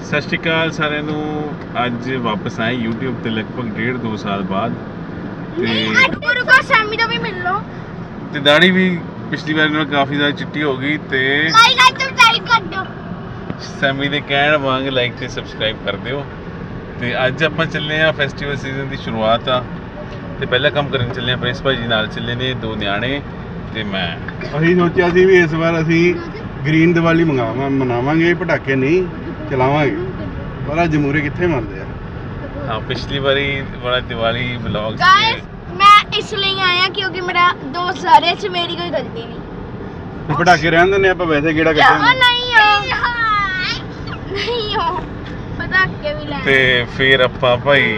ਸਤਿ ਸ਼੍ਰੀ ਅਕਾਲ ਸਾਰਿਆਂ ਨੂੰ। ਅੱਜ ਵਾਪਸ ਆਏ YouTube ਤੇ ਲਗਭਗ 1.5-2 ਸਾਲ ਬਾਅਦ ਤੇ ਰੁਕੋ ਸੈਮੀ ਦਾ ਵੀ ਮਿਲ ਲਓ ਤੇ ਦਾੜੀ ਵੀ ਪਿਛਲੀ ਵਾਰ ਨਾਲੋਂ ਕਾਫੀ ਜ਼ਿਆਦਾ ਚਿੱਟੀ ਹੋ ਗਈ ਤੇ ਲਾਈਕ ਤੇ ਸਬਸਕ੍ਰਾਈਬ ਕਰ ਦਿਓ। ਸੈਮੀ ਦੇ ਕਹਿਣ ਵਾਂਗ ਲਾਈਕ ਤੇ ਸਬਸਕ੍ਰਾਈਬ ਕਰ ਦਿਓ। ਤੇ ਅੱਜ ਆਪਾਂ ਚੱਲੇ ਆ ਫੈਸਟੀਵਲ ਸੀਜ਼ਨ ਦੀ ਸ਼ੁਰੂਆਤ ਆ ਤੇ ਪਹਿਲਾ ਕੰਮ ਕਰਨ ਚੱਲੇ ਆ। ਪ੍ਰਿੰਸ ਭਾਜੀ ਨਾਲ ਚੱਲੇ ਨੇ, 2 ਨਿਆਣੇ ਤੇ ਮੈਂ। ਅਸੀਂ ਸੋਚਿਆ ਸੀ ਵੀ ਇਸ ਵਾਰ ਅਸੀਂ ਗ੍ਰੀਨ ਦੀਵਾਲੀ ਮਨਾਵਾਂਗੇ, ਪਟਾਕੇ ਨਹੀਂ ਚਲਾਵਾਂਗੇ, ਪਰ ਅੱਜ ਮੂਰੇ ਕਿੱਥੇ ਮੰਨਦੇ ਆ। ਹਾਂ, ਪਿਛਲੀ ਵਾਰੀ ਬੜਾ ਦੀਵਾਲੀ ਵਲੌਗਸ ਗਾਇਸ ਮੈਂ ਇਸ ਲਈ ਆਇਆ ਕਿਉਂਕਿ ਮੇਰਾ ਦੋਸਤ ਆ ਰਿਹਾ ਸੀ, ਮੇਰੀ ਕੋਈ ਗਲਤੀ ਨਹੀਂ। ਤੇ ਪਟਾਕੇ ਰਹਿਣ ਦਿੰਦੇ ਆਪਾਂ, ਵੈਸੇ ਕਿਹੜਾ ਨਹੀਂ ਹੋ ਪਟਾਕੇ ਵੀ ਲੈਣੇ ਤੇ ਫਿਰ ਆਪਾਂ ਭਾਈ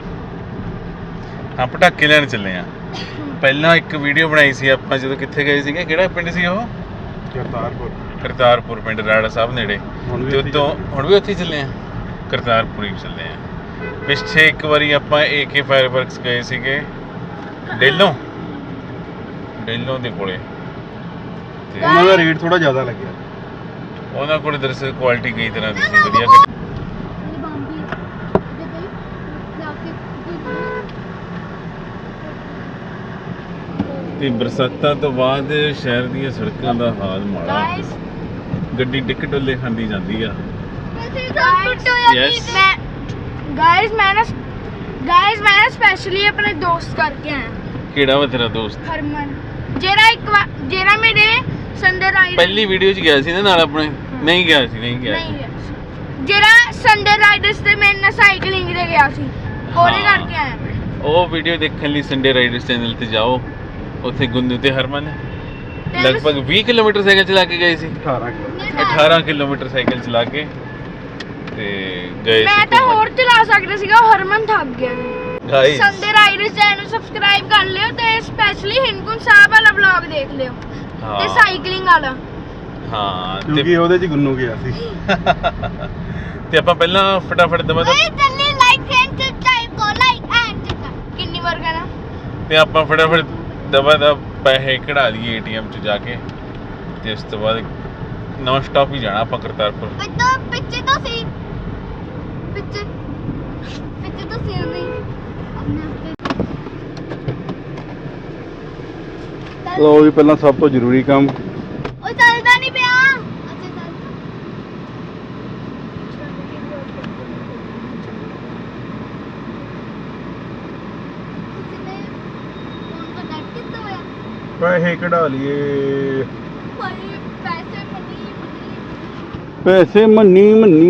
ਹਾਂ ਪਟਾਕੇ ਲੈਣ ਚੱਲੇ ਆ। ਪਹਿਲਾਂ ਇੱਕ ਵੀਡੀਓ ਬਣਾਈ ਸੀ ਆਪਾਂ ਜਦੋਂ ਕਿੱਥੇ ਗਏ ਸੀਗੇ, ਕਿਹੜਾ ਪਿੰਡ ਸੀ ਉਹ? ਕਰਤਾਰਪੁਰ ਪਿੰਡ, ਰਾੜਾ ਸਾਹਿਬ ਨੇੜੇ। ਤੇ ਉਤੋਂ ਹੁਣ ਵੀ ਉੱਥੇ ਚੱਲੇ ਆ, ਕਰਤਾਰਪੁਰ ਹੀ ਚੱਲੇ ਆ। ਪਿੱਛੇ ਇੱਕ ਵਾਰੀ ਆਪਾਂ AK ਫਾਇਰ ਵਰਕਸ ਗਏ ਸੀਗੇ ਡੇਲੋਂ ਦੇ ਕੋਲੇ ਤੇ ਉਹਨਾਂ ਦਾ ਰੇਟ ਥੋੜਾ ਜ਼ਿਆਦਾ ਲੱਗਿਆ। ਉਹਨਾਂ ਕੋਲੇ ਦਰਅਸਲ ਕੁਆਲਿਟੀ ਕਈ ਤਰ੍ਹਾਂ ਦੀ ਸੀ, ਵਧੀਆ। ਤੇ ਬਰਸਾਤਾਂ ਤੋਂ ਬਾਅਦ ਸ਼ਹਿਰ ਦੀਆਂ ਸੜਕਾਂ ਦਾ ਹਾਲ ਮਾੜਾ, ਗੱਡੀ ਡਿੱਕ ਡੁੱਲੇ ਖਾਂਦੀ ਜਾਂਦੀ ਆ। ਗਾਇਸ ਮੈਂ ਸਪੈਸ਼ਲੀ ਆਪਣੇ ਦੋਸਤ ਕਰਕੇ ਆਇਆ। ਕਿਹੜਾ ਵਾ ਤੇਰਾ ਦੋਸਤ? ਹਰਮਨ, ਜਿਹੜਾ ਮੇਰੇ ਸੰਡੇ ਰਾਈਡਰ ਪਹਿਲੀ ਵੀਡੀਓ 'ਚ ਗਿਆ ਸੀ ਨਾ ਨਾਲ ਆਪਣੇ। ਨਹੀਂ ਗਿਆ ਸੀ ਜਿਹੜਾ ਸੰਡੇ ਰਾਈਡਰਸ ਤੇ ਮੇਰੇ ਨਾਲ ਸਾਈਕਲਿੰਗ ਤੇ ਗਿਆ ਸੀ, ਉਹਦੇ ਕਰਕੇ ਆਇਆ। ਉਹ ਵੀਡੀਓ ਦੇਖਣ ਲਈ ਸੰਡੇ ਰਾਈਡਰਸ ਚੈਨਲ ਤੇ ਜਾਓ। ਉੱਥੇ ਗੁੰਨੂ ਤੇ ਹਰਮਨ ਲਗਭਗ 20 ਕਿਲੋਮੀਟਰ ਸਾਈਕਲ ਚਲਾ ਕੇ ਗਏ ਸੀ। 18 ਕਿਲੋਮੀਟਰ ਸਾਈਕਲ ਚਲਾ ਕੇ ਤੇ ਗਏ ਸੀ। ਮੈਂ ਤਾਂ ਹੋਰ ਚਲਾ ਸਕਦਾ ਸੀਗਾ, ਹਰਮਨ ਥੱਕ ਗਿਆ। Guys Sunday Riders channel subscribe ਕਰ ਲਿਓ ਤੇ ਸਪੈਸ਼ਲੀ ਹਿੰਦਕੁੰਟ ਸਾਹਿਬ ਵਾਲਾ ਵਲੌਗ ਦੇਖ ਲਿਓ ਤੇ ਸਾਈਕਲਿੰਗ ਵਾਲਾ। ਹਾਂ, ਕਿਉਂਕਿ ਉਹਦੇ 'ਚ ਗੁੰਨੂ ਗਿਆ ਸੀ। ਤੇ ਆਪਾਂ ਪਹਿਲਾਂ ਫਟਾਫਟ ਦਵਾ ਜਲਦੀ ਲਾਈਕ ਐਂਡ ਸਬਸਕ੍ਰਾਈਬ ਕਰੋ, ਲਾਈਕ ਐਂਡ ਕਿੰਨੀ ਵਾਰ ਕਰਾਂ। ਤੇ ਆਪਾਂ ਫਟਾਫਟ ਦਵਾ ਪੈਸੇ ਕਢਾ ਲਈਏ ATM 'ਚ ਜਾ ਕੇ ਤੇ ਉਸ ਤੋਂ ਬਾਅਦ ਨੌਨ ਸਟਾਪ ਹੀ ਜਾਣਾ ਆਪਾਂ ਕਰਤਾਰਪੁਰ। ਪਿੱਛੇ ਤਾਂ ਸੀ ਪਿੱਛੇ ਤਾਂ ਸੀ ਨਹੀਂ ਲੋ ਵੀ ਪਹਿਲਾਂ ਸਭ ਤੋਂ ਜ਼ਰੂਰੀ ਕੰਮ, ਉਹ ਚੱਲਦਾ ਨਹੀਂ ਪਿਆ। ਪੈਸੇ ਕਢਾ ਲਈਏ। ਪੈਸੇ ਮੰਨੀ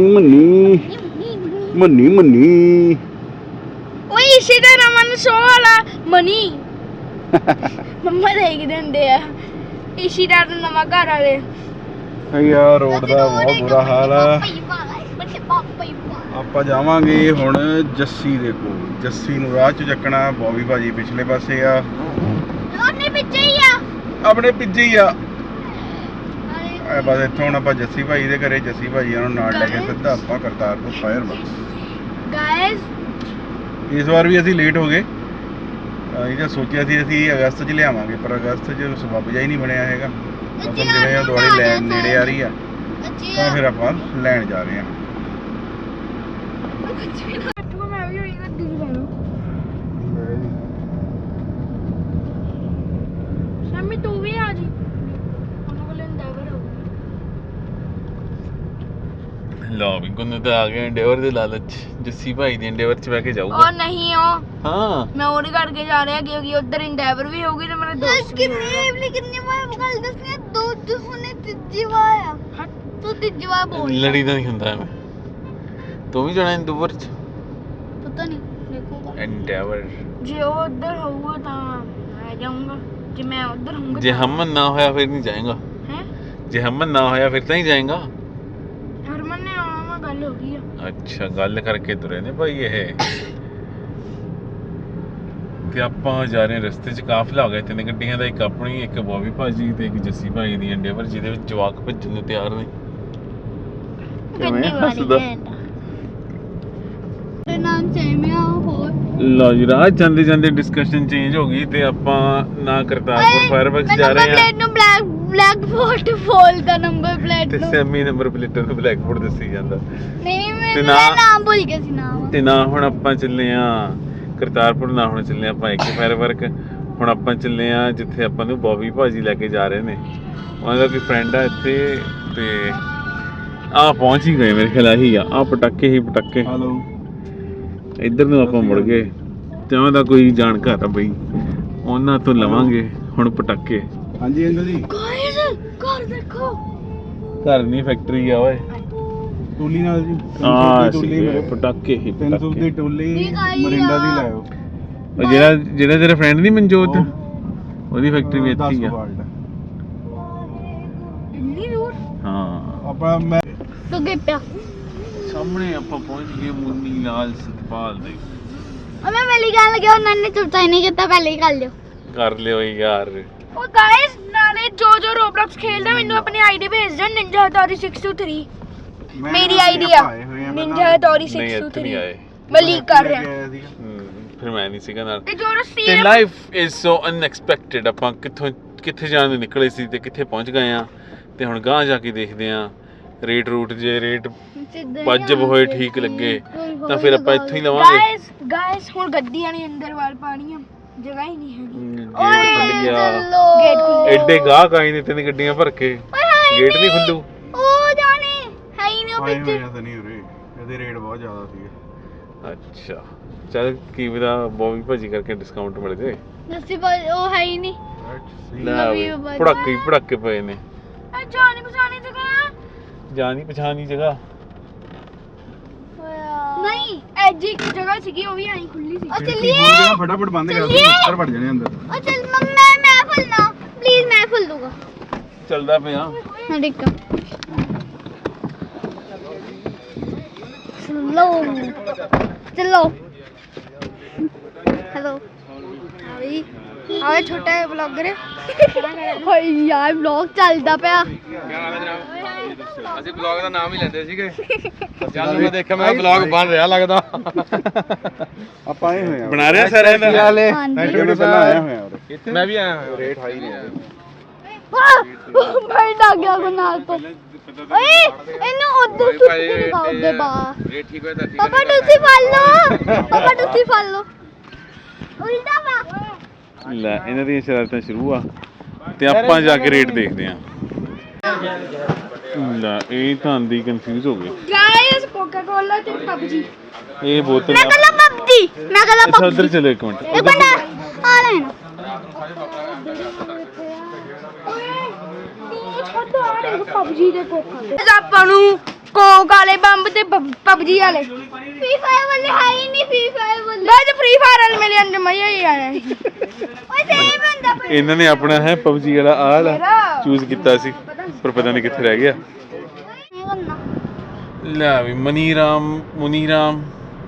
ਓਏ ਇਸੇ ਦਾ ਰਮਨ ਸ਼ੋ ਵਾਲਾ ਮਨੀ ਮੰਮਾ ਦੇਖਦੇ ਹੁੰਦੇ ਆ। ਇਸ਼ੀ ਦਾ ਨਵਾਂ ਘਰ ਵਾਲੇ ਯਾਰ ਰੋਡ ਦਾ ਬਹੁਤ ਬੁਰਾ ਹਾਲ ਆ। ਆਪਾਂ ਜਾਵਾਂਗੇ ਹੁਣ ਜੱਸੀ ਦੇ ਕੋਲ। ਜੱਸੀ ਨੂੰ ਰਾਹ 'ਚ ਚੱਕਣਾ। ਬੋਬੀ ਭਾਜੀ ਪਿਛਲੇ ਪਾਸੇ ਆ, ਉਹਨੇ ਪਿੱਛੇ ਹੀ ਆ, ਆਪਣੇ ਪਿੱਛੇ ਹੀ ਆ। ਬਸ ਇੱਥੋਂ ਹੁਣ ਆਪਾਂ ਜੱਸੀ ਭਾਈ ਦੇ ਘਰੇ, ਜੱਸੀ ਭਾਈ ਨੂੰ ਨਾਲ ਲੈ ਕੇ ਸਿੱਧਾ ਆਪਾਂ ਕਰਤਾਰਪੁਰ ਫਾਇਰ ਵਰਕਸ। ਗਾਇਸ ਇਸ ਵਾਰ ਵੀ ਅਸੀਂ ਲੇਟ ਹੋ ਗਏ। ਇਹ ਜੋ ਸੋਚਿਆ ਸੀ ਅਸੀਂ ਅਗਸਤ 'ਚ ਲਿਆਵਾਂਗੇ, ਪਰ ਅਗਸਤ 'ਚ ਸਬੱਬ ਜਿਹਾ ਹੀ ਨਹੀਂ ਬਣਿਆ ਹੈਗਾ। ਮੌਸਮ ਜਿਵੇਂ ਦਿਵਾਲੀ ਲੈਣ ਨੇੜੇ ਆ ਰਹੀ ਆ, ਤਾਂ ਫਿਰ ਆਪਾਂ ਲੈਣ ਜਾ ਰਹੇ ਹਾਂ। ਸ਼ਾਮੀ ਤੂੰ ਵੀ ਆ ਜੀ, ਉਹਨਾਂ ਕੋਲ ਇੰਡਾਈਵਰ ਹੋਊ। ਲਓ ਵੀ ਗੁੰਨੂ ਤਾਂ ਆ ਗਿਆ ਇੰਡੇਵਰ ਦੇ ਲਾਲਚ। ਜੱਸੀ ਭਾਈ ਦੀ ਇੰਡੇਵਰ 'ਚ ਬਹਿ ਕੇ ਜਾਊਗਾ। ਉਹ ਨਹੀਂ ਉਹ ਹਾਂ, ਮੈਂ ਉਹਦੇ ਕਰਕੇ ਜਾ ਰਿਹਾ ਕਿਉਂਕਿ ਉਧਰ ਇੰਡਾਈਵਰ ਵੀ ਹੋਊਗੀ ਤੇ ਮੇਰਾ ਦੋਸਤ ਵੀ ਹੋਊਗਾ। ਕਿੰਨੀ ਵਾਰ ਗੱਲ ਦੱਸਣੀ, ਦੋ ਹੁਣੇ ਤੀਜੀ ਵਾਰ ਆ। ਤੂੰ ਤੀਜੀ ਵਾਰ ਬੋਲ। ਲੜੀ ਤਾਂ ਨਹੀਂ ਹੁੰਦਾ ਐਵੇਂ। ਤੂੰ ਵੀ ਜਾਣਾ ਇੰਡੇਵਰ 'ਚ? ਪਤਾ ਨਹੀਂ, ਦੇਖੂਗਾ। ਇੰਡੇਵਰ ਜੇ ਉਹ ਉਧਰ ਹੋਊਗਾ ਤਾਂ ਮੈਂ ਜਾਊਂਗਾ, ਜੇ ਮੈਂ ਉਧਰ ਹੋਊਂਗਾ ਜੇ ਹਮਨ ਨਾ ਹੋਇਆ ਫਿਰ ਨਹੀਂ ਜਾਏਗਾ। ਹੈ ਜੇ ਹਮਨ ਨਾ ਹੋਇਆ ਫਿਰ ਤਾਂ ਹੀ ਜਾਏਗਾ। ਹਰਮਨ ਨੇ ਆਉਣਾ, ਮੈਂ ਗੱਲ ਹੋ ਗਈ ਆ। ਅੱਛਾ, ਗੱਲ ਕਰਕੇ ਤੁਰੇ ਨੇ ਭਾਈ ਇਹ। ਤੇ ਆਪਾਂ ਜਾ ਰਹੇ ਰਸਤੇ 'ਚ ਕਾਫਲਾ ਹੋ ਗਿਆ 3 ਗੱਡੀਆਂ ਦਾ, ਇੱਕ ਆਪਣੀ, ਇੱਕ ਬੋਬੀ ਭਾਜੀ ਤੇ ਇੱਕ ਜੱਸੀ ਭਾਈ ਦੀ ਇੰਡੇਵਰ, ਜਿਹਦੇ ਵਿੱਚ ਜਵਾਕ ਭੱਜਣ ਨੂੰ ਤਿਆਰ ਨੇ। ਕਿੰਨੀ ਵਾਰੀ ਤੇ ਨਾਮ ਸੇਮਿਆ ਹੋਰ। ਲਓ ਜੀ, ਰਾਹ ਜਾਂਦੇ ਜਾਂਦੇ ਡਿਸਕਸ਼ਨ ਚੇਂਜ ਹੋ ਗਈ ਤੇ ਆਪਾਂ ਨਾ ਕਰਤਾਰਪੁਰ ਫਾਇਰ ਵਰਕਸ ਜਾ ਰਹੇ ਆ। ਨੂੰ ਬਲੈਕ ਬੋਰਡ ਫੋਲ ਦਾ ਨੰਬਰ ਪਲੇਟ ਤੇ ਨੂੰ ਸੈਮੀ ਨੰਬਰ ਪਲੇਟਾਂ ਨੂੰ ਬਲੈਕ ਬੋਰਡ ਦੱਸੀ ਜਾਂਦਾ। ਨਹੀਂ ਤੇ ਮੈਂ ਨਾਮ ਭੁੱਲ ਗਿਆ ਸੀ ਨਾਮ। ਤੇ ਨਾ ਹੁਣ ਆਪਾਂ ਚੱਲੇ ਆ ਕਰਤਾਰਪੁਰ, ਨਾ ਹੁਣ ਚੱਲੇ ਆਪਾਂ AK ਫਾਇਰ ਵਰਕ। ਹੁਣ ਆਪਾਂ ਚੱਲੇ ਆ ਜਿੱਥੇ ਆਪਾਂ ਨੂੰ ਬੋਬੀ ਭਾਜੀ ਲੈ ਕੇ ਜਾ ਰਹੇ ਨੇ। ਉਹਨਾਂ ਦਾ ਕੋਈ ਫਰੈਂਡ ਆ ਇੱਥੇ ਤੇ ਆ ਪਹੁੰਚ ਹੀ ਗਏ ਮੇਰੇ ਖਿਆਲ ਆਹੀ ਆ ਪਟਾਕੇ ਹੀ ਪਟਾਕੇ। ਹਲੋ ਇੱਧਰ ਨੂੰ ਆਪਾਂ ਮੁੜ ਗਏ ਤੇ ਉਹਨਾਂ ਦਾ ਕੋਈ ਜਾਣਕਾਰ ਆ ਬਈ, ਉਹਨਾਂ ਤੋਂ ਲਵਾਂਗੇ ਹੁਣ ਪਟਾਕੇ। ਹਾਂਜੀ ਅੰਕਲ ਜੀ ਗਾਇਸ ਘਰ ਦੇਖੋ। ਘਰ ਨਹੀਂ ਫੈਕਟਰੀ ਆ ਓਏ। ਟੋਲੀ ਨਾਲ ਜੀ ਆ ਟੋਲੀ ਮੇਰੇ ਪਟਾਕੇ ਹੀ 300 ਦੀ ਪਟਾਕੇ। ਟੋਲੀ ਠੀਕ ਆਈ ਮਰਿੰਡਾ ਦੀ ਆ। ਲਾਇਓ। ਉਹ ਜਿਹੜਾ ਤੇਰਾ ਫਰੈਂਡ ਨਹੀਂ ਮਨਜੋਤ, ਉਹਦੀ ਫੈਕਟਰੀ ਵੀ ਇੱਥੇ ਹੀ ਆ। ਇੰਨੀ ਦੂਰ ਹਾਂ ਆਪਾਂ ਮੈਂ ਤੋ ਗਏ ਪਿਆ। ਸਾਹਮਣੇ ਆਪਾਂ ਪਹੁੰਚ ਗਏ ਮੁੰਨੀ ਲਾਲ ਸਤਪਾਲ ਦੇ। ਮੈਂ ਪਹਿਲੀ ਗੱਲ ਲੱਗਿਆ ਉਹਨਾਂ ਨੇ ਚੁੱਪਚਾਪ ਨਹੀਂ ਕੀਤਾ, ਪਹਿਲੇ ਹੀ ਕਰ ਲਿਓ। ਕਰ ਲਿਓ ਯਾਰ। ਉਹ ਗਾਇਸ ਨਾਲੇ ਜੋ ਰੋਬਲੌਕਸ ਖੇਲਦਾ ਮੈਨੂੰ ਆਪਣੀ ਆਈਡੀ ਭੇਜ ਦਿਓ ਨਿੰਜਾ ਹਟੋਰੀ 623। ਮੇਰੀ ਆਈਡੀ ਆ ਨਿੰਜਾ ਹਟੋਰੀ ਨਹੀਂ ਇੱਥੇ ਨਹੀਂ 623। ਆਏ। ਮੈਂ ਲੀਕ ਕਰ ਰਿਹਾ। ਫਿਰ ਮੈਂ ਨਹੀਂ ਸੀਗਾ ਨਾਲ। ਤੇ ਜੋ ਤੇ ਰਸੀਦ ਲਾਈਫ ਇਜ਼ ਸੋ ਅਨਐਕਸਪੈਕਟਡ। ਆਪਾਂ ਕਿੱਥੇ ਜਾਣ ਨੂੰ ਨਿਕਲੇ ਸੀ ਤੇ ਕਿੱਥੇ ਪਹੁੰਚ ਗਏ ਆ। ਤੇ ਹੁਣ ਗਾਂਹ ਜਾ ਕੇ ਦੇਖਦੇ ਆ ਰੇਟ ਰੂਟ, ਜੇ ਰੇਟ ਵਾਜਬ ਹੋਏ ਠੀਕ ਲੱਗੇ ਤਾਂ ਫਿਰ ਆਪਾਂ ਇੱਥੋਂ ਹੀ ਲਵਾਂਗੇ। ਗਾਇਸ ਹੁਣ ਗੱਡੀਆਂ ਨਹੀਂ ਅੰਦਰ ਵਾਲ ਪਾਣੀਆਂ, ਜਗ੍ਹਾ ਹੀ ਨਹੀਂ ਹੈਗੀ। ਗੇਟ ਖੁੱਲ ਗਿਆ। ਗੇਟ ਖੁੱਲੇ। ਐਡੇ ਗਾਹਕ ਆਏ ਨੇ ਤਿੰਨ ਗੱਡੀਆਂ ਭਰ ਕੇ, ਗੇਟ ਨਹੀਂ ਖੁੱਲੂ। ਉਹ ਜਾਣੇ ਹੈ ਹੀ ਨਹੀਂ ਉਹ ਆਏ ਵਿੱਚ। ਹੋਏ ਤਾਂ ਨਹੀਂ ਉਰੇ, ਇਹਦੇ ਰੇਟ ਬਹੁਤ ਜ਼ਿਆਦਾ ਸੀਗੇ। ਅੱਛਾ ਚੱਲ ਕੀ ਪਤਾ ਬੋਬੀ ਭਾਜੀ ਕਰਕੇ ਡਿਸਕਾਊਂਟ ਮਿਲ ਜੇ। ਦੱਸੀ ਉਹ ਹੈ ਹੀ ਨਹੀਂ। ਲੈ ਵੇ ਪੜਾਕੇ ਪਏ ਨੇ। ਜਾਣੀ ਪਛਾਣੀ ਜਗ੍ਹਾ ਜਾਣੀ ਪਛਾਣੀ ਜਗ੍ਹਾ ਨਹੀਂ, ਐਜ ਇੱਕ ਜਗ੍ਹਾ ਸੀਗੀ ਉਹ ਵੀ ਐਂ ਖੁੱਲੀ ਸੀ। ਉਹ ਖਿੜਕੀ ਚੱਲੀਏ। ਖੋਲ ਕੇ ਨਾ ਫਟਾਫਟ ਬੰਦ ਕਰ ਦੇ, ਉੱਪਰ ਵੜ ਜਾਣੇ ਅੰਦਰ। ਉਹ ਚੱਲ ਮੈਂ ਫੁੱਲਣਾ ਪਲੀਜ਼, ਮੈਂ ਫੁੱਲ ਦੂੰਗਾ। ਚੱਲਦਾ ਪਿਆ। ਹਾਂ ਠੀਕ ਆ। ਚਲੋ ਹੈਲੋ ਆਈ ਆਏ ਛੋਟਾ ਬਲੌਗਰ। ਹੋਈ ਯਾਰ ਬਲੌਗ ਚੱਲਦਾ ਪਿਆ। ਅਸੀਂ ਬਲੌਗ ਦਾ ਨਾਮ ਹੀ ਲੈਂਦੇ ਸੀਗੇ। ਜਦ ਮੈਂ ਦੇਖਿਆ ਮੈਂ ਬਲੌਗ ਬਣ ਰਿਹਾ ਲੱਗਦਾ। ਆਪਾਂ ਆਏ ਹੋਏ ਆ ਬਣਾ ਰਿਹਾ ਸਾਰਿਆਂ ਦਾ। ਹਾਂਜੀ ਜਿਹੜੇ ਪਹਿਲਾਂ ਆਇਆ ਹੋਇਆ ਉਰੇ। ਮੈਂ ਵੀ ਆਇਆ ਹੋਇਆ। ਰੇਟ ਹਾਈ ਨੇ ਮੈਂ ਡਰ ਗਿਆ ਗੁਨਾਹ ਤੋਂ। ਓਏ ਇਹਨੂੰ ਉਧਰ ਸੁੱਟ ਲਗਾਓ ਦੇ ਬਾਹਰ। ਰੇਟ ਠੀਕ ਹੋਇਆ ਤਾਂ ਠੀਕ ਪਾਪਾ ਤੁਸੀਂ ਫੜ ਲਓ, ਪਾਪਾ ਤੁਸੀਂ ਫੜ ਲਓ। ਉਲਟਾ ਵਾ। ਲੈ ਇਹਨਾਂ ਦੀਆਂ ਸ਼ਰਾਰਤਾਂ ਸ਼ੁਰੂ ਆ ਤੇ ਆਪਾਂ ਜਾ ਕੇ ਰੇਟ ਦੇਖਦੇ ਆ। ਲੈ ਇਹ ਤਾਂ ਆਂਦੀ ਕਨਫਿਊਜ਼ ਹੋ ਗਏ। ਗਾਇਸ ਕੋਕਾ ਕੋਲਾ ਤੇ ਪਬਜੀ। ਇਹ ਬੋਤਲ ਮੈਂ ਕਹਿੰਦਾ ਪਬਜੀ, ਮੈਂ ਕਹਿੰਦਾ ਅੱਛਾ ਉਧਰ ਪਬਜੀ। ਚਲੋ ਇੱਕ ਮਿੰਟ। ਇੱਕ ਮਿੰਟ ਆ ਲੈਣਾ। ਪਬਜੀ ਦੇ ਕੋਕਾ ਆਪਾਂ ਨੂੰ ਕੋਕ ਵਾਲੇ ਬੰਬ ਤੇ ਪਬਜੀ ਵਾਲੇ। ਫ੍ਰੀ ਫਾਇਰ ਵਾਲੇ ਹੈ ਹੀ ਨਹੀਂ। ਫ੍ਰੀ ਫਾਇਰ ਵਾਲੇ ਮੈਂ ਤੇ ਫ੍ਰੀ ਫਾਇਰ ਵਾਲੇ ਮੇਰੇ ਅੰਦਰ ਮਜ਼ਾ ਹੀ ਆਇਆ ਸੀ। ਓਏ ਸੇਮ ਹੁੰਦਾ ਪਰ ਇਹਨਾਂ ਨੇ ਆਪਣਾ ਹੈ ਪਬਜੀ ਵਾਲਾ ਆਲ ਮੇਰਾ। ਚੂਜ਼ ਕੀਤਾ ਸੀ ਪਰ ਪਤਾ ਨਹੀਂ ਕਿੱਥੇ ਰਹਿ ਗਿਆ। ਨਹੀਂ ਕਰਨਾ। ਲੈ ਵੀ ਮੁਨੀਰਾਮ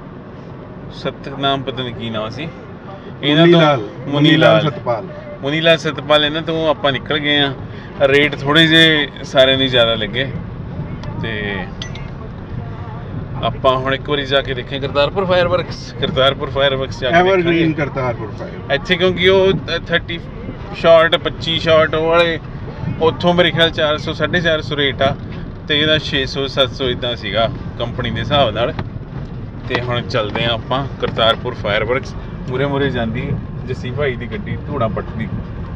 ਸਤਨਾਮ ਪਤਾ ਨਹੀਂ ਕੀ ਨਾਮ ਸੀ ਇਹਨਾਂ ਤੋਂ। ਮੁਨੀ ਲਾਲ ਸਤਪਾਲ ਇਹਨਾਂ ਤੋਂ ਆਪਾਂ ਨਿਕਲ ਗਏ ਆ। ਰੇਟ ਥੋੜੇ ਜੇ ਸਾਰਿਆਂ ਨੂੰ ਜ਼ਿਆਦਾ ਲੱਗੇ ਤੇ ਆਪਾਂ ਹੁਣ ਇੱਕ ਵਾਰੀ ਜਾ ਕੇ ਦੇਖਾਂ ਕਰਤਾਰਪੁਰ ਫਾਇਰ ਵਰਕਸ ਜਾ ਕੇ ਐਵਰਗ੍ਰੀਨ ਕਰਤਾਰਪੁਰ ਫਾਇਰ। ਇੱਥੇ ਕਿਉਂਕਿ ਉਹ 30 ਸ਼ਾਟ 25 ਸ਼ਾਟ ਉਹ ਵਾਲੇ ਉੱਥੋਂ ਮੇਰੇ ਖਿਆਲ 400 450 ਰੇਟ ਆ ਤੇ ਇਹਦਾ 600 700 ਇਦਾਂ ਸੀਗਾ ਕੰਪਨੀ ਦੇ ਹਿਸਾਬ ਨਾਲ। ਤੇ ਹੁਣ ਚੱਲਦੇ ਆ ਆਪਾਂ ਕਰਤਾਰਪੁਰ ਫਾਇਰ ਵਰਕਸ। ਮੂਰੇ ਜਾਂਦੀ ਜੱਸੀ ਭਾਈ ਦੀ ਗੱਡੀ ਧੂੜਾ ਪੱਟਦੀ।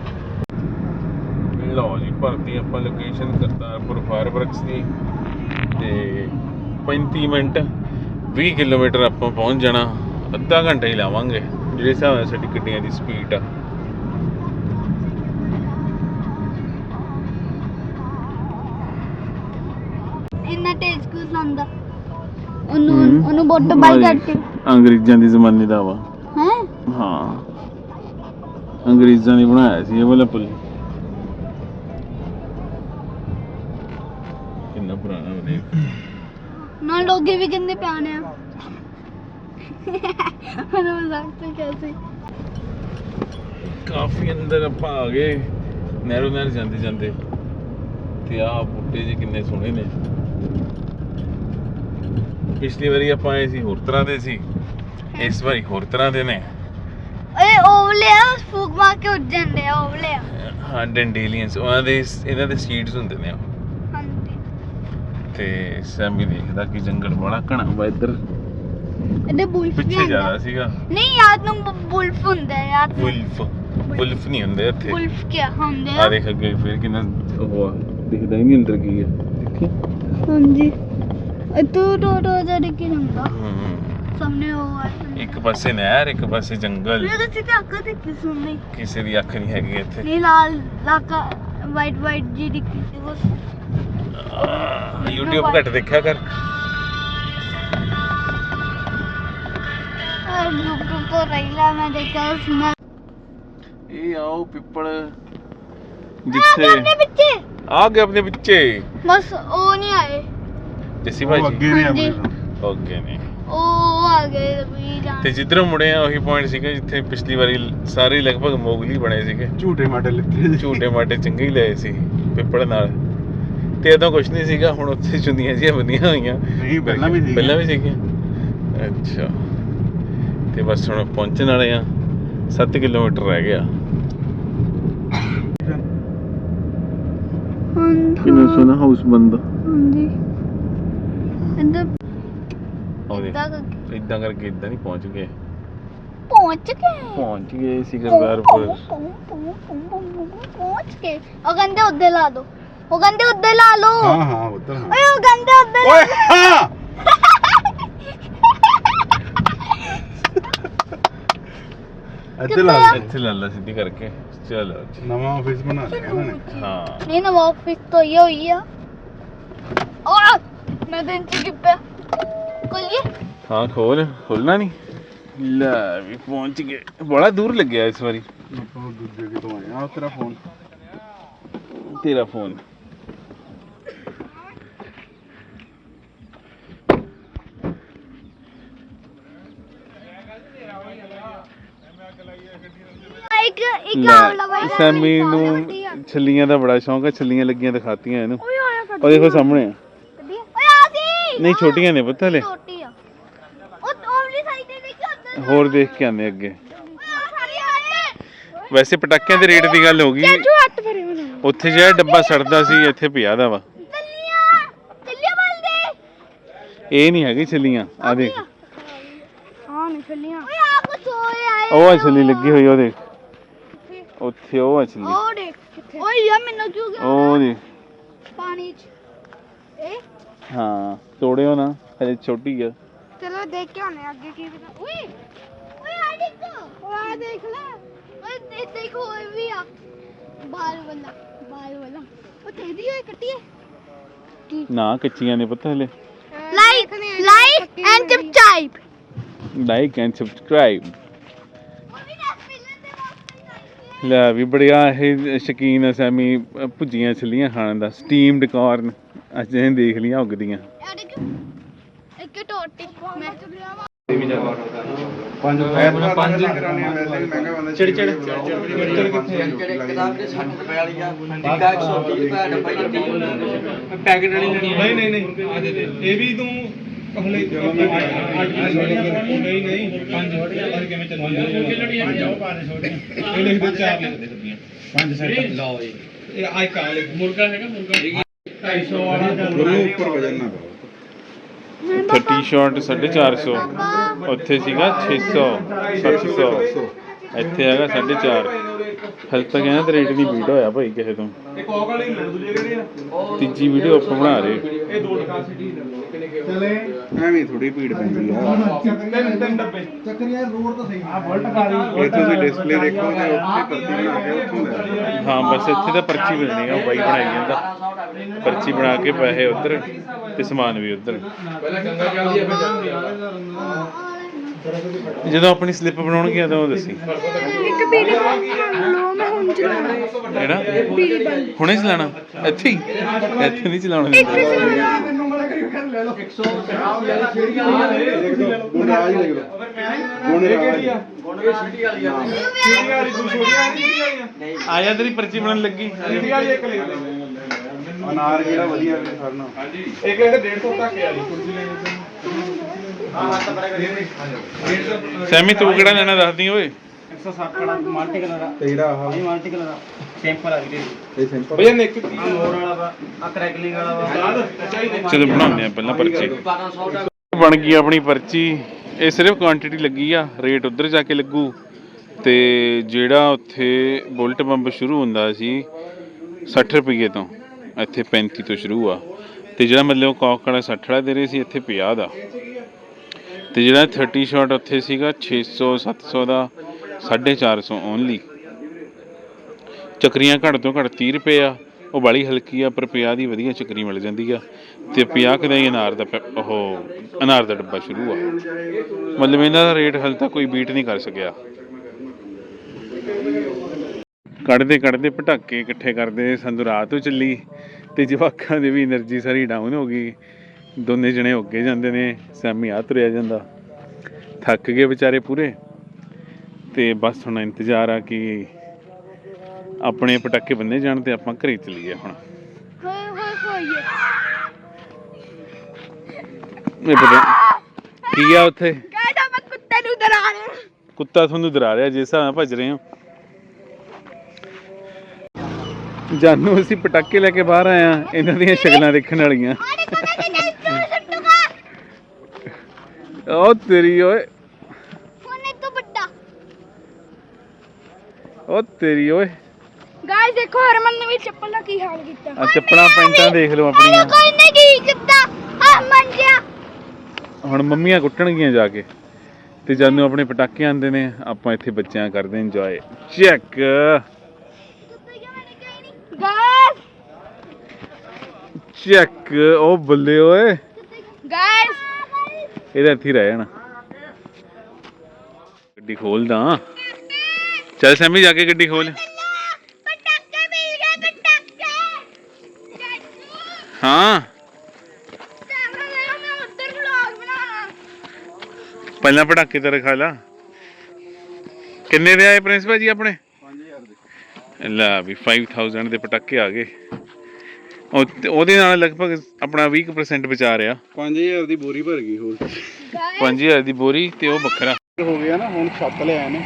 ਲਓ ਜੀ ਭਰਤੀ ਆਪਾਂ ਲੋਕੇਸ਼ਨ ਕਰਤਾਰਪੁਰ ਫਾਇਰ ਵਰਕਸ ਦੀ ਤੇ 35 ਮਿੰਟ 20 ਕਿਲੋਮੀਟਰ ਆਪਾਂ ਪਹੁੰਚ ਜਾਣਾ। ਅੱਧਾ ਘੰਟਾ ਹੀ ਲਾਵਾਂਗੇ ਜਿਹੜੇ ਹਿਸਾਬ ਨਾਲ ਸਾਡੀ ਗੱਡੀਆਂ ਦੀ ਸਪੀਡ ਆ। ਇੰਨਾ ਤੇਜ਼ ਕਿਉਂ ਚਲਾਉਂਦਾ? ਉਹਨੂੰ ਬੋਟ ਬਾਈ ਕਰਕੇ ਅੰਗਰੇਜ਼ਾਂ ਦੀ ਜ਼ਮਾਨੇ ਦਾ ਵਾ। ਹੈ ਹਾਂ ਅੰਗਰੇਜ਼ਾਂ ਨੇ ਬਣਾਇਆ ਸੀ ਇਹ ਵਾਲਾ ਪੁਲ। ਕਿੰਨਾ ਪੁਰਾਣਾ ਬਣੇ। ਨਾ ਲੋਗੇ ਵੀ ਕਿੰਨੇ ਪਿਆਣੇ ਆ। ਮੈਨੂੰ ਮਜ਼ਾਕ ਤੇ कैसे ਕਾਫੀ ਅੰਦਰ ਆਪਾਂ ਆ ਗਏ ਨਹਿਰ ਜਾਂਦੇ ਤੇ ਆਹ ਬੂਟੇ ਜੀ ਕਿੰਨੇ ਸੋਹਣੇ ਨੇ। ਪਿਛਲੀ ਵਾਰੀ ਆਪਾਂ ਆਏ ਸੀ ਹੋਰ ਤਰ੍ਹਾਂ ਦੇ ਸੀ, ਇਸ ਵਾਰੀ ਹੋਰ ਤਰ੍ਹਾਂ ਦੇ ਨੇ। ਓਏ ਓਵਲੇ ਆ ਫੂਕ ਮਾਰ ਕੇ ਉੱਡ ਜਾਂਦੇ ਆ ਓਵਲੇ ਆ ਹਾਂ ਡੈਂਡੇਲੀਅਨਸ ਉਹਨਾਂ ਦੇ ਇਹਨਾਂ ਦੇ ਸੀਡਸ ਹੁੰਦੇ ਨੇ ਉਹ ਹਾਂਜੀ ਤੇ ਸੈਮੀ ਦੇਖਦਾ ਕਿ ਜੰਗਲ ਬੜਾ ਘਣਾ ਵਾ ਇੱਧਰ ਇਹਦੇ ਬੁਲਫ ਵੀ ਪਿੱਛੇ ਜ਼ਿਆਦਾ ਸੀਗਾ ਨਹੀਂ ਯਾਦ ਨੂੰ ਬੁਲਫ ਹੁੰਦਾ ਹੈ ਯਾਦ ਵੁਲਫ ਨਹੀਂ ਹੁੰਦੇ ਇੱਥੇ ਬੁਲਫ ਕੀ ਹੁੰਦੇ ਆ ਦੇਖ ਅੱਗੇ ਫਿਰ ਕਿੰਨਾ ਉਹ ਆ, ਦਿਖਦਾ ਹੀ ਨਹੀਂ ਅੰਦਰ ਕੀ ਹੈ ਦੇਖੀ ਹਾਂਜੀ ਤੂੰ ਟੋਟੋ ਜੜ ਕੇ ਹੁੰਦਾ ਹਮ, ਸਾਹਮਣੇ ਉਹ ਆ ਇੱਕ ਪਾਸੇ ਨਹਿਰ ਇੱਕ ਪਾਸੇ ਜੰਗਲ ਮੇਰੇ ਤੇ ਅੱਖ ਤੇ ਕਿਸ ਨਹੀਂ ਕਿਸੇ ਦੀ ਅੱਖ ਨਹੀਂ ਹੈਗੀ ਇੱਥੇ ਨਹੀਂ ਲਾਲ ਲਾਕਾ ਵਾਈਟ ਜੀ ਦਿਖਦੀ ਸੀ ਬਸ YouTube ਘੱਟ ਦੇਖਿਆ ਕਰ YouTube ਤੋਂ ਰਹੀਲਾ ਮੈਂ ਦੇਖਿਆ ਸੁਣਾ ਇਹ ਆਓ ਪਿੱਪਲ ਜਿੱਥੇ ਆਪਣੇ ਪਿੱਛੇ ਆ ਗਏ ਆਪਣੇ ਪਿੱਛੇ ਬਸ ਉਹ ਨਹੀਂ ਆਏ ਜੱਸੀ ਉਹ ਭਾਜੀ ਅੱਗੇ ਨੇ ਹਾਂਜੀ। ਆਪਣੇ ਤੋਂ। ਓਕੇ ਨੇ ਉਹ ਆ ਗਏ ਵੀ ਜਾਣ ਤੇ ਜਿੱਧਰੋਂ ਮੁੜੇ ਆ ਉਹੀ ਪੁਆਇੰਟ ਸੀਗਾ ਜਿੱਥੇ ਪਿਛਲੀ ਵਾਰੀ ਸਾਰੇ ਲਗਭਗ ਮੋਗਲੀ ਬਣੇ ਸੀਗੇ ਝੂਟੇ ਮਾਟੇ ਲਿੱਤੇ ਝੂਟੇ ਮਾਟੇ ਚੰਗੇ ਹੀ ਲਏ ਸੀ ਪਿੱਪਲ ਨਾਲ ਤੇ ਉਦੋਂ ਕੁਝ ਨਹੀਂ ਸੀਗਾ ਹੁਣ ਉੱਥੇ ਚੁੰਨੀਆਂ ਜਿਹੀਆਂ ਬੰਦੀਆਂ ਹੋਈਆਂ ਨਹੀਂ ਪਹਿਲਾਂ ਵੀ ਸੀ ਪਹਿਲਾਂ ਵੀ ਸੀਗੀਆਂ ਅੱਛਾ ਤੇ ਬਸ ਹੁਣ ਪਹੁੰਚਣ ਵਾਲੇ ਆ 7 ਕਿਲੋਮੀਟਰ ਰਹਿ ਗਿਆ ਕਿੰਨਾ ਸੋਹਣਾ ਹਾਊਸ ਬੰਦਾ ਹਾਂਜੀ ਇੱਧਰ ਉਹਦੇ ਇੱਦਾਂ ਕਰਕੇ ਇਦਾਂ ਕਰਕੇ ਇਦਾਂ ਨਹੀਂ ਪਹੁੰਚ ਗਏ ਪਹੁੰਚ ਗਏ ਸੀ ਗੁਰਦਾਸਪੁਰ ਪਹੁੰਚ ਗਏ ਉਹ ਕਹਿੰਦੇ ਉੱਧਰ ਲਾ ਦੋ ਉਹ ਕਹਿੰਦੇ ਉੱਧਰ ਲਾ ਲਓ ਹਾਂ ਹਾਂ ਉੱਧਰ ਹਾਂ ਓਏ ਉਹ ਕਹਿੰਦੇ ਉੱਧਰ ਓਏ ਹਾਂ ਇੱਥੇ ਲਾ ਦੇ। ਇੱਥੇ ਲਾ ਲਾ ਸਿੱਧੀ ਕਰਕੇ ਚਲੋ ਜੀ। ਨਵਾਂ ਆਫਿਸ ਬਣਾ ਲਿਆ ਇਹਨਾਂ ਨੇ ਹਾਂ ਨਹੀਂ ਨਾ ਵਾਪਸ ਤੋਂ ਇਹ ਹੋਈ ਆ ਆ ਮੈਂ ਦਿਨ ਚ ਕਿੱਪਿਆ ਕੋਲੀਏ ਹਾਂ ਖੋਲਣਾ ਨਹੀਂ ਲੈ ਵੀ ਪਹੁੰਚ ਗਏ ਬੜਾ ਦੂਰ ਲੱਗਿਆ ਇਸ ਵਾਰੀ ਆਪਾਂ ਦੂਜੇ ਕਿਤੋਂ ਆਏ ਆ ਤੇਰਾ ਫੋਨ ਤੇਰਾ ਫੋਨ ਇੱਕ ਆਵਲਾ ਬਾਈ ਸੈਮੀ ਨੂੰ ਛੱਲੀਆਂ ਦਾ ਬੜਾ ਸ਼ੌਂਕ ਹੈ ਛੱਲੀਆਂ ਲੱਗੀਆਂ ਦਿਖਾਤੀਆਂ ਇਹਨੂੰ ਓਏ ਆਇਆ ਉਹ ਦੇਖੋ ਸਾਹਮਣੇ ਆ ਓਏ ਆ ਸੀ ਨਹੀਂ ਛੋਟੀਆਂ ਨੇ ਪਤਾ ਹਲੇ ਛੋਟੀ ਆ ਉਹ ਓਵਲੀ ਸਾਈਡ ਤੇ ਦੇਖੀ ਉੱਧਰ ਹੋਰ ਦੇਖ ਕੇ ਆਨੇ ਅੱਗੇ ਓਏ ਆ ਸਾਰੀ ਆਏ ਵੈਸੇ ਪਟਾਕਿਆਂ ਦੇ ਰੇਟ ਦੀ ਗੱਲ ਹੋ ਗਈ ਹੱਥ ਭਰੇ ਮੈਨੂੰ ਉੱਥੇ ਜਿਹੜਾ ਡੱਬਾ ਸੜਦਾ ਸੀ ਇੱਥੇ ਪਿਆ ਦਾ ਵਾ ਚੱਲੀਆਂ ਬਲਦੇ ਇਹ ਨਹੀਂ ਹੈਗੀ ਛੱਲੀਆਂ ਆ ਦੇਖ ਹਾਂ ਨਹੀਂ ਚੱਲੀਆਂ ਓਏ ਆ ਕੁਛ ਹੋਏ ਆਏ ਉਹ ਆ ਛੱਲੀ ਲੱਗੀ ਹੋਈ ਉਹ ਦੇਖ ਉੱਥੇ ਉਹ ਆ ਛੱਲੀ ਉਹ ਦੇਖ ਕਿੱਥੇ ਓਏ ਯਾ ਮੈਨੂੰ ਕਿਉਂ ਗਿਆ ਉਹ ਦੇਖ ਪਾਣੀ ਚ ਇਹ ਹਾਂ ਤੋੜਿਓ ਨਾ ਹਲੇ ਛੋਟੀ ਆ ਚਲੋ ਦੇਖ ਕੇ ਆਉਣੇ ਅੱਗੇ ਕੀ ਪਤਾ ਓਏ ਓਏ ਆ ਦੇਖ ਓਏ ਆ ਦੇਖ ਲੈ ਓਏ ਦੇਖੋ ਇਹ ਵੀ ਆ ਬਾਲ ਵਾਲਾ ਉਹ ਤੇਰੀ ਹੋਏ ਕੱਟੀਏ ਨਾ ਕੱਚੀਆਂ ਨੇ ਪਤਾ ਹਲੇ like and subscribe like and subscribe ਲੈ ਵੀ ਬੜਿਆ ਇਹ ਸ਼ੌਕੀਨ ਹੈ ਸੈਮੀ ਭੁੱਜੀਆਂ ਛੱਲੀਆਂ ਖਾਣ ਦਾ ਸਟੀਮਡ ਕਾਰਨ ਅੱਜ ਇਹ ਦੇਖ ਲੀਆਂ ਉਗਦੀਆਂ ਇੱਕ ਟੋਟੀ ਮੈਂ ਪੰਜ ਕਰਾਉਣੀ ਵੈਸੇ ਵੀ ਮਹਿੰਗਾ ਬੰਦਾ ਚਿੜ ਕਿੱਥੇ ਕਿਤਾਬ ਦੇ 60 ਰੁਪਏ ਵਾਲੀ ਆ ਟਿੱਕਾ 130 ਰੁਪਏ ਡੱਬਾ ਹੀ ਪੈਕੇਟ ਵਾਲੀ ਲੈਣੀ ਨਹੀਂ ਆ ਦੇ ਇਹ ਵੀ ਤੂੰ ਹਲੇ ਨਹੀਂ ਪੰਜ ਛੋਟੀਆਂ ਕਿਵੇਂ ਚੱਲੂਗਾ ਉਹ ਪਾਣੇ ਛੋਟੇ ਇਹ ਲਿਖ ਦੇ 4 ਲਿਖ ਦੇ ਡੱਬੀਆਂ 5 ਸੈਟ ਲਓ ਜੀ ਇਹ ਆਈ ਕਾ ਲਿਖ ਮੁਰਗਾ ਹੈਗਾ ਮੁਰਗਾ 250 ਵਾਲਾ ਗੁਰੂ ਉੱਪਰ ਵਜਨ ਨਾ ਪਾਓ 30 ਸ਼ਾਰਟ 450 ਉੱਥੇ ਸੀਗਾ 600 700 ਇੱਥੇ ਹੈਗਾ 450 ਹਲ ਤੱਕ ਇਹਨਾਂ ਦਾ ਰੇਟ ਨਹੀਂ ਬੀਟ ਹੋਇਆ ਭਾਈ ਕਿਸੇ ਤੋਂ ਇਹ ਕੋਕ ਵਾਲੇ ਹੀ ਦੂਜੇ ਕਿਹੜੇ ਆ ਤੀਜੀ ਵੀਡੀਓ ਆਪਾਂ ਬਣਾ ਰਹੇ ਇਹ ਦੋ ਟਕਾ ਸਿਟੀ ਚਲੇ ਐਵੇਂ ਥੋੜੀ ਭੀੜ ਪੈਂਦੀ ਆ ਤਿੰਨ ਡੱਬੇ ਚੱਕਰ ਯਾਰ ਰੋਡ ਤਾਂ ਸਹੀ ਆ ਬੁਲਟ ਇਹ ਤੁਸੀਂ ਡਿਸਪਲੇ ਦੇਖੋ ਤੇ ਉੱਥੇ ਪਰਚੀ ਬਣਾ ਕੇ ਉੱਥੋਂ ਲੈ ਹਾਂ ਬਸ ਇੱਥੇ ਤਾਂ ਪਰਚੀ ਮਿਲਣੀ ਆ ਉਹ ਬਾਈ ਬਣਾਈ ਜਾਂਦਾ ਪਰਚੀ ਬਣਾ ਕੇ ਪੈਸੇ ਉੱਧਰ ਤੇ ਸਮਾਨ ਵੀ ਉੱਧਰ ਪਹਿਲਾਂ ਗੰਗਾ ਚੱਲਦੀ ਆ ਫਿਰ ਜਾਂਦੀ ਆ ਜਦੋਂ ਆਪਣੀ ਸਲਿੱਪ ਬਣਾਉਣਗੇ ਉਦੋਂ ਦੱਸੀ ਇੱਕ ਪੀੜੀ ਲੋ ਮੈਂ ਹੁਣ ਚਲਾਉਣਾ ਕਿਹੜਾ ਹੁਣੇ ਚਲਾਣਾ ਇੱਥੇ ਹੀ ਇੱਥੇ ਨਹੀਂ ਚਲਾਉਣਾ ਤੈਨੂੰ ਮੜਾ ਕਰੀ ਕਰ ਲੈ ਲਓ 150 ਵਾਲੀ ਛੇੜੀ ਵਾਲੀ ਗੁਣ ਰਾਜ ਲਿਖ ਲਓ ਗੁਣ ਰਾਜ ਇਹ ਛੇੜੀ ਵਾਲੀ ਆ ਛੇੜੀ ਵਾਲੀ ਤੂੰ ਛੋਟੀ ਵਾਲੀ ਆ ਆਇਆ ਤੇਰੀ ਪਰਚੀ ਬਣਨ ਲੱਗੀ ਛੇੜੀ ਵਾਲੀ ਇੱਕ ਲਿਖ ਦੇ ਅਨਾਰ ਕਿਹੜਾ ਵਧੀਆ ਵੀ ਸਰਨਾ ਹਾਂਜੀ ਇੱਕ ਇਹ 150 ਤੱਕ ਆ ਜੀ ਕੁਰਸੀ ਲੈਣੀ ਹਾਂ ਹਾਂ ਤਾਂ ਬੜਾ ਕਰੀ 150 ਸੈਮੀ ਤੂੰ ਕਿਹੜਾ ਲੈਣਾ ਦੱਸਦੀ ਓਏ 160 ਵਾਲਾ ਮਲਟੀ ਕਲਰ ਦਾ ਤੇ ਜਿਹੜਾ ਆਹ ਇਹ ਮਲਟੀ ਕਲਰ ਦਾ ਸਿੰਪਲ ਆ ਵੀਰੇ ਇਹ ਸਿੰਪਲ ਭਈਆ ਨੇ ਇੱਕ ਮੋੜ ਵਾਲਾ ਵਾ ਆ ਕਰੈਕਲਿੰਗ ਵਾਲਾ ਵਾ ਚਲੋ ਬਣਾਉਂਦੇ ਆ ਪਹਿਲਾਂ ਪਰਚੀ। 1200 ਦਾ ਬਣ ਗਈ ਆਪਣੀ ਪਰਚੀ। ਇਹ ਸਿਰਫ ਕੁਆਂਟੀਟੀ ਲੱਗੀ ਆ, ਰੇਟ ਉੱਧਰ ਜਾ ਕੇ ਲੱਗੂ। ਤੇ ਜਿਹੜਾ ਉੱਥੇ ਬੁਲਟ ਬੰਬ ਸ਼ੁਰੂ ਹੁੰਦਾ ਸੀ 60 ਰੁਪਏ ਤੋਂ, ਇੱਥੇ 35 ਤੋਂ ਸ਼ੁਰੂ ਆ। ਤੇ ਜਿਹੜਾ ਮਤਲਬ ਕੌਕ ਵਾਲਾ 60 ਵਾਲਾ ਦੇ ਰਹੇ ਸੀ, ਇੱਥੇ 50 ਦਾ। ਤੇ ਜਿਹੜਾ 30 ਸ਼ਾਟ ਉੱਥੇ ਸੀਗਾ 600 700 ਦਾ, 450 ਓਨਲੀ। ਚੱਕਰੀਆਂ ਘੱਟ ਤੋਂ ਘੱਟ 30 ਰੁਪਏ ਆ, ਉਹ ਬਾਲੀ ਹਲਕੀ ਆ, ਪਰ 50 ਦੀ ਵਧੀਆ ਚੱਕਰੀ ਮਿਲ ਜਾਂਦੀ ਆ। ਤੇ 50 ਦਾ ਹੀ ਅਨਾਰ ਦਾ ਡੱਬਾ ਸ਼ੁਰੂ ਆ। ਮਤਲਬ ਇਹਨਾਂ ਦਾ ਰੇਟ ਹਾਲੇ ਤੱਕ ਕੋਈ ਬੀਟ ਨਹੀਂ ਕਰ ਸਕਿਆ। ਕੱਢਦੇ ਪਟਾਕੇ ਇਕੱਠੇ ਕਰਦੇ ਸਾਨੂੰ ਰਾਤ ਹੋ ਚੱਲੀ, ਤੇ ਜਵਾਕਾਂ ਦੀ ਵੀ એનર્ਜੀ ਸਾਰੀ ਡਾਊਨ ਹੋ ਗਈ। ਦੋਨੇ ਜਣੇ ਉੱਗੇ ਜਾਂਦੇ ਨੇ, ਸੈਮੀ ਆ ਤੁਰਿਆ ਜਾਂਦਾ। ਥੱਕ ਗਏ ਵਿਚਾਰੇ ਪੂਰੇ। ਤੇ ਬਸ ਹੁਣ ਇੰਤਜ਼ਾਰ ਆ ਕਿ ਆਪਣੇ ਪਟਾਕੇ ਬੰਨੇ ਜਾਣ ਤੇ ਆਪਾਂ ਘਰੇ ਚੱਲੀਏ ਹੁਣ। ਇਹ ਪਤਾ ਕੀ ਆ ਉੱਥੇ? ਕਹਿੰਦਾ ਮੈਂ ਕੁੱਤੇ ਨੂੰ ਡਰਾ ਰਿਹਾ। ਕੁੱਤਾ ਤੁਹਾਨੂੰ ਡਰਾ ਰਿਹਾ, ਜਿਸ ਹਿਸਾਬ ਨਾਲ ਭੱਜ ਰਹੇ ਹੋ। ਜਾਨੂੰ ਅਸੀਂ ਪਟਾਕੇ ਲੈ ਕੇ ਬਾਹਰ ਆਏ ਆ, ਇਹਨਾਂ ਦੀਆਂ ਸ਼ਕਲਾਂ ਦੇਖਣ ਵਾਲੀਆਂ। ਉਹ ਤੇਰੀ ਓਏ, ਉਹ ਤੇਰੀ ਓਏ। ਗਾਇਸ ਦੇਖੋ ਹਰਮਨ ਨੇ ਵੀ ਚੱਪਲ ਦਾ ਕੀ ਹਾਲ ਕੀਤਾ। ਆ ਚੱਪਲਾਂ ਪੈਂਟਾਂ ਦੇਖ ਲਓ ਆਪਣੀਆਂ। ਕੋਈ ਨਹੀਂ ਕੀ ਕੀਤਾ ਹਰਮਨ ਜੀ। ਹੁਣ ਮੰਮੀਆਂ ਕੁੱਟਣਗੀਆਂ ਜਾ ਕੇ। ਤੇ ਜਾਨੂੰ ਆਪਣੇ ਪਟਾਕੇ ਆਂਦੇ ਨੇ, ਆਪਾਂ ਇੱਥੇ ਬੱਚਿਆਂ ਕਰਦੇ ਇੰਜੋਏ। ਚੈੱਕ ਗਾਇਸ ਚੈੱਕ, ਉਹ ਬੱਲੇ ਓਏ, ਗਾਇਸ ਇਹਦਾ ਇੱਥੇ ਹੀ ਰਹਿ ਜਾਣਾ। ਗੱਡੀ ਖੋਲਦਾ, ਚੱਲ ਸੈਮੀ ਜਾ ਕੇ ਗੱਡੀ ਖੋਲ। ਪਟਾਕੇ ਮਿਲ ਗਏ ਪਟਾਕੇ। ਹਾਂ ਮੈਂ ਉੱਧਰ ਵਲੌਗ ਬਣਾਉਣਾ। ਪਹਿਲਾਂ ਪਟਾਕੇ ਤਾਂ ਰਖਾ ਲਾ। ਕਿੰਨੇ ਦੇ ਆਏ ਪ੍ਰਿੰਸ ਭਾਜੀ ਆਪਣੇ? 5000 ਦੇ। ਲੈ ਵੀ 5000 ਦੇ ਪਟਾਕੇ ਆ ਗਏ। ਉਹਦੇ ਨਾਲ ਲਗਭਗ ਆਪਣਾ 20% ਬਚਾ ਰਿਹਾ। 5000 ਦੀ ਬੋਰੀ ਭਰ ਗਈ ਹੋਰ। 5000 ਦੀ ਬੋਰੀ ਤੇ ਉਹ ਵੱਖਰਾ ਹੋ ਗਿਆ ਨਾ। ਹੁਣ ਛੱਤ ਲਿਆਏ ਨੇ।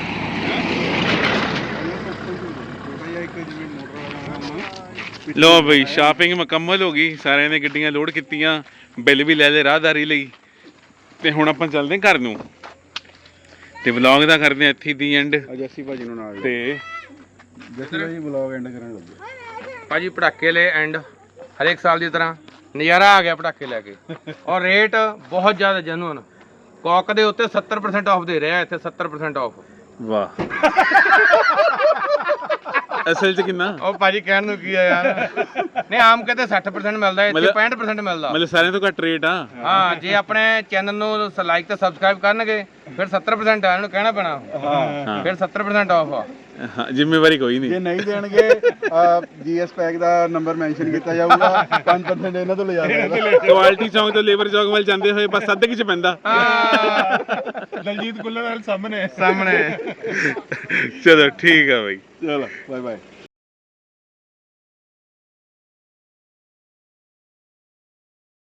ਲੋ ਬਈ, ਸ਼ਾਪਿੰਗ ਮੁਕੰਮਲ ਹੋ ਗਈ। ਸਾਰਿਆਂ ਨੇ ਗੱਡੀਆਂ ਲੋਡ ਕੀਤੀਆਂ, ਬਿੱਲ ਵੀ ਲੈ ਲਏ ਰਾਹਦਾਰੀ ਲਈ। ਤੇ ਹੁਣ ਆਪਾਂ ਚੱਲਦੇ ਘਰ ਨੂੰ। ਤੇ ਵਲੌਗ ਦਾ ਕਰਦੇ ਆ ਇੱਥੇ ਦੀ ਐਂਡ। ਜੱਸੀ ਭਾਜੀ ਨੂੰ ਨਾਲ ਤੇ ਜੱਸੀ ਭਾਜੀ ਵਲੌਗ ਐਂਡ ਕਰਨ ਲੱਗੇ। ਭਾਜੀ ਪਟਾਕੇ ਲੈ ਐਂਡ ਹਰੇਕ ਸਾਲ ਦੀ ਤਰ੍ਹਾਂ ਨਜ਼ਾਰਾ ਆ ਗਿਆ ਪਟਾਕੇ ਲੈ ਕੇ। ਔਰ ਰੇਟ ਬਹੁਤ ਜ਼ਿਆਦਾ ਜੈਨੂਅਨ। ਕੌਕ ਦੇ ਉੱਤੇ 70% ਆਫ ਦੇ ਰਿਹਾ ਇੱਥੇ। 70% ਆਫ। ਵਾਹ, ਅਸਲ 'ਚ ਕਿੰਨਾ? ਉਹ ਭਾਜੀ ਕਹਿਣ ਨੂੰ ਕੀ ਆ ਯਾਰ। ਨਹੀਂ ਆਮ ਕਹਿੰਦੇ 60% ਮਿਲਦਾ, ਇੱਥੇ 65% ਮਿਲਦਾ। ਮਤਲਬ ਸਾਰਿਆਂ ਤੋਂ ਘੱਟ ਰੇਟ ਆ। ਹਾਂ, ਜੇ ਆਪਣੇ ਚੈਨਲ ਨੂੰ ਲਾਈਕ ਤੇ ਸਬਸਕ੍ਰਾਈਬ ਕਰਨਗੇ ਫਿਰ 70% ਆ। ਇਹਨਾਂ ਨੂੰ ਕਹਿਣਾ ਪੈਣਾ। ਹਾਂ, ਫਿਰ 70% ਆਫ ਆ। ਹਾਂ, ਜ਼ਿੰਮੇਵਾਰੀ ਕੋਈ ਜੇ ਨਹੀਂ। ਨਹੀਂ ਦੇਣਗੇ ਜੀਐਸ ਪੈਕ ਦਾ ਨੰਬਰ ਮੈਂਸ਼ਨ ਕੀਤਾ ਜਾਊਗਾ। 5% ਇਹਨਾਂ ਤੋਂ ਲਿਜਾ ਦੇਣਾ। ਕੁਆਲਿਟੀ ਚੌਂਕ ਤੋਂ ਲੇਬਰ ਚੌਂਕ ਵੱਲ ਜਾਂਦੇ ਹੋਏ ਬਸ ਅੱਧੇ ਕਿਚ ਪੈਂਦਾ। ਦਲਜੀਤ ਗੁੱਲਰ ਸਾਹਮਣੇ। ਸਾਹਮਣੇ। ਚਲੋ ਠੀਕ ਆ ਬਾਈ। ਚਲੋ ਬਾਏ ਬਾਏ।